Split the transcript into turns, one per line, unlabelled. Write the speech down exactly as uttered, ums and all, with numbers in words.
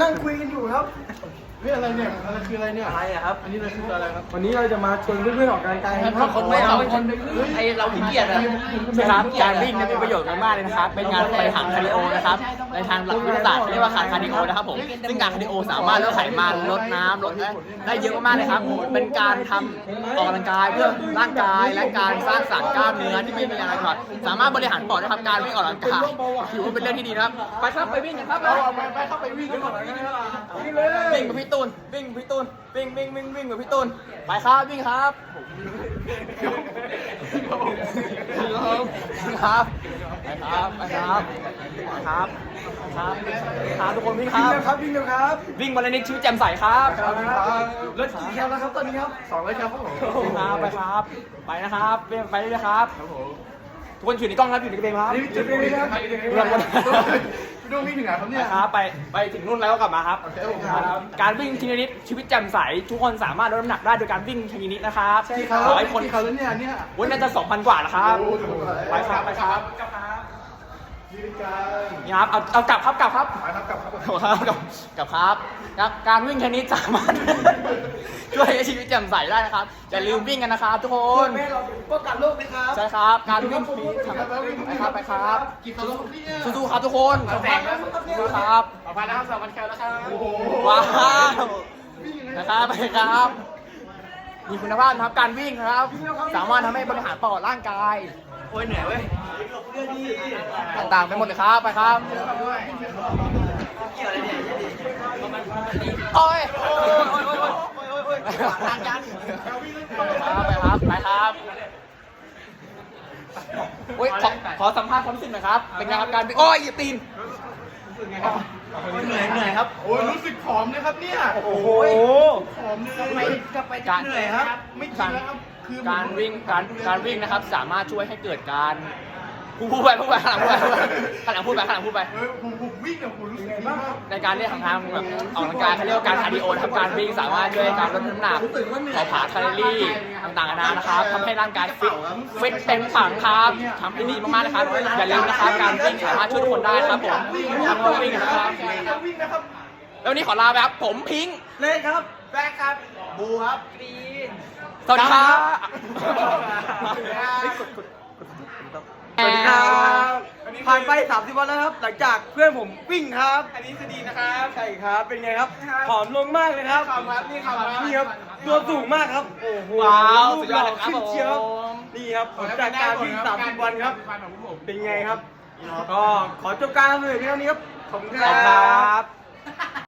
นั่งคุยกันอยู่ครับ
เฮ้ยอะไรเนี่ยอะไรคืออะไรเนี่ย
อะไรอะครับ
อันนี้เราคืออะไรครับ
วันนี้เราจะมาชวนเพื่อนๆออกกำลังกายกันครับ
คนไม่เอาคนไอเราขี้เกียจอะนะครับการวิ่งนั้นมีประโยชน์มากๆเลยนะครับเป็นงานไปทางคาร์ดิโอนะครับในทางหลักวิทยาศาสตร์เรียกว่าการคาร์ดิโอนะครับผมซึ่งการคาร์ดิโอสามารถลดไขมันลดน้ำลดได้เยอะมากๆเลยครับเป็นการทำออกกำลังกายเพื่อร่างกายและการสร้างสรรค์กล้ามเนื้อที่ไม่มีอะไรก่อนสามารถบริหารปอดนะครับการวิ่งออกกำลังกายถือว่าเป็นเรื่องที่ดีนะครับไปครับไปวิ่งกันครับ
เอาไปไปเข้าไปวิ่งกันก่อนวิ่งเลย
วิ่งกับพี่ตูนวิ่งพี่ตูนวิ่งวิ่งวิ่งวิ่งกับพี่ตูนไปครับวิ่งครับครับไปครับไปครับไปครับครับครับทุกคนวิ่งค
วิ่ง
รับ
เร็วครับวิ่งเร็วครับ
วิ่งวันละนิดชีวิตแจ่มใสครับ
ครับ
รถกี่แคลแล้วครับตอนนี้ครับ
สองร้อยครับผม
ครับไปครับไปนะครับไปไปเรื่อยๆครับ
ครับผม
ทุกคนอยู่ในกล้องครับอยู่ในกระเบนครับ
นี่จะเป็นยังไงครับ
ดูวิ่งถึงไหนครับ
ไป
เนี่ย
ครับไปไปถึงนู่นแล้วก็กลับมาครับ
โอเคผม
ครับการวิ่งทีละนิดชีวิตแจ่มใสทุกคนสามารถลดน้ำหนักได้โดยการวิ่งทีละนิดนะครับ
ที่เขา
ขอให้คน
ที่เขาแล้วเนี่ยเนี่ย
วันน่าจะสองพันกว่าแล้วครับ
โอ้โห
ไปครับไปครับ
ยืนกัน
นี่ครับเอาเอากลับครับกลับครับ
ไปครับกลับครับ
ครับกลับกลับครับครับการวิ่งชนิดสามารถ ช่วยให้ชีวิตแจ่มใสได้นะครับอย่าลืมวิ่งกันนะครับทุกคน
แม่เราป้องกันโรคนะครับ
ใช่ครับการวิ่งฟรีทำไปครับไปครับ
กี่กิโลครับพี่เนี่ย
สู้ๆครับทุกคน
แสงแล้ว
สู้ๆครับ
ต่อไปนะครับสองพันแคลแล้วครับโอ้โห
ว้าวนะครับไปครับมีคุณภาพนะครับการวิ่งนะครับ สามารถทำให้บริหารปอดร่างกาย
โอ้ยเหนื่อยเว้ย
ต่างๆไปหมดเลยครับไปครับโอ้ยโอ้ยโอ้ยโอ้ยโอ้ยโอ้ยโอ้ยทางยันไปครับไปครับโอ้ยขอขอสัมภาษณ์ความรู้สึกหน่อยครับเป็นไงครับการวิ่งโอ้ยอย่าตีน
เหนื่อยเหนื่อยครับ
โอ้ยรู้สึกผอมนะครับเนี่ย
โอ้โห
ผอมเลย
ไปกลับไป
การ
เหนื่อยครับ
ไม่กินแล้วครับคือ
การวิ่งการการวิ่งนะครับสามารถช่วยให้เกิดการพูดไปพูดไปข้างหลังพูดไปข้างหลังพูดไปข้างหลังพูดไป
เฮ้ยผมผมวิ่งเนี่ยผมรู้สึกดีมาก
ในการเรียกทางทางแบบออกกำลังกายเขาเรียกว่าการคาร์ดิโอนะครับการวิ่งสามารถช่วยการลดน้ำหนักเผาผลาญแคลอรี่ต่างๆนานานะครับทำให้ร่างกายฟิตฟิตเต็มถังครับทำได้ดีมากๆนะครับอย่าลืมนะครับการวิ่งสามารถช่วยทุกคนได้ครับผมทำให้วิ่งนะครับ
วิ่งนะครับ
แล้ววันนี้ขอลาไปครับผมพิงค์
เล่นครับ
แบกครับบูครับกรีน
สวัสดีครับ
สวัสดีครับผ่านไปสามสิบวันแล้วครับ หลังจากเพื่อนผมวิ่งครับ
อันนี้คือดีนะครับ
ใช่ครับ เป็นไงครับ ผอมลงมากเลยครับ
ขอบครับนี่ขอบครับ
นี่ครับ ตัวสูงมากครับ โอ้โห
ว้าว
รู
สุ
ป
ด
ห
ยอ
ล่
ด
อ
เลยครับ
ขึ้นเชียว
ผม
นี่ครับผลจากการวิ่งสามสิบวันครับ
ของผม
เป็นไงครับ ก็ขอจบการเลยเพียงเท่านี้ครับ ขอบคุณค
ขอบคุณค
รั
รับ บ